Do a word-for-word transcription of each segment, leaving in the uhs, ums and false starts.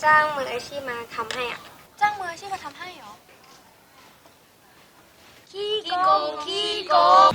จ้างมืออาชีพมาทำให้อ่ะจ้างมืออาชีพมาทำให้เหรอขี้โกงขี้โกง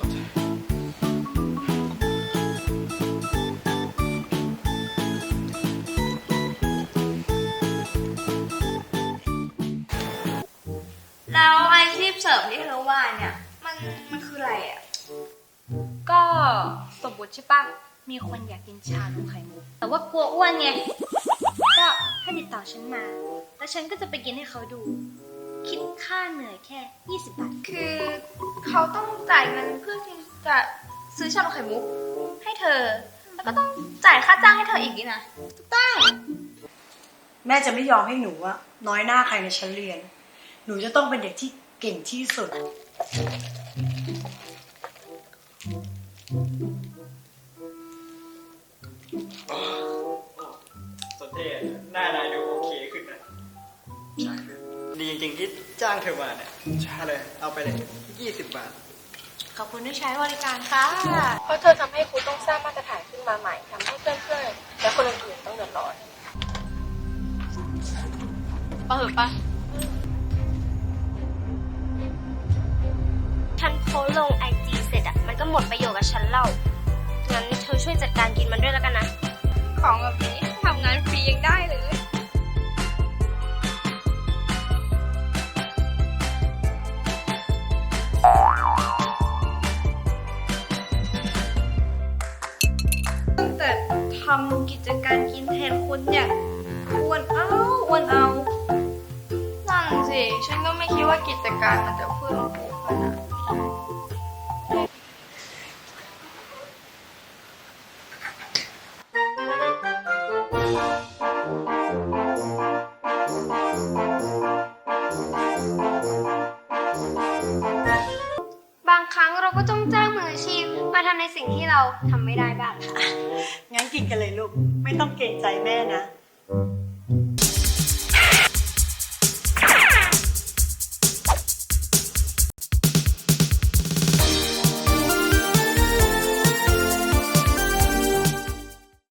แล้วอาชีพเสริมที่เธอว่าเนี่ยมันมันคืออะไรอ่ะก็สมมติใช่ปะมีคนอยากกินชานมไข่มุกแต่ว่ากลัวอ้วนไงก็ให้ติดต่อฉันมาแล้วฉันก็จะไปกินให้เขาดูคิดค่าเหนื่อยแค่ยี่สิบบาทคือเขาต้องจ่ายเงินเพื่อที่จะซื้อชานมไข่มุกให้เธอแล้วก็ต้องจ่ายค่าจ้างให้เธออีกนี่นะถูกต้องแม่จะไม่ยอมให้หนูอะน้อยหน้าใครในชั้นเรียนหนูจะต้องเป็นเด็กที่เก่งที่สุดสนเทศหน้านายดูโอเคขึ้นนะใช่ดีจริงๆที่จ้างเธอมาเนี่ยใช่เลยเอาไปเลยยี่สิบบาทขอบคุณที่ใช้บริการค่ะเพราะเธอทำให้ครูต้องสร้างมาตรฐานขึ้นมาใหม่ทำให้เพื่อนๆและคนอื่นๆต้องเดือดร้อนปะเหอะปะฉันโพสลงไอจีเสร็จอ่ะมันก็หมดประโยชน์กับฉันเล่างั้นเธอช่วยจัดการกินมันด้วยแล้วกันนะของแบบนี้ทำงานฟรียังได้เลยตั้งแต่ทำกิจการกินแทนคนเนี่ยอ้วนเอาอ้วนเอานั่นสิฉันก็ไม่คิดว่ากิจการมันจะเพิ่มพูขนาดบางครั้งเราก็ต้องจ้างมืออาชีพมาทำในสิ่งที่เราทำไม่ได้บ้างงั้นกินกันเลยลูกไม่ต้องเกรงใจแม่นะ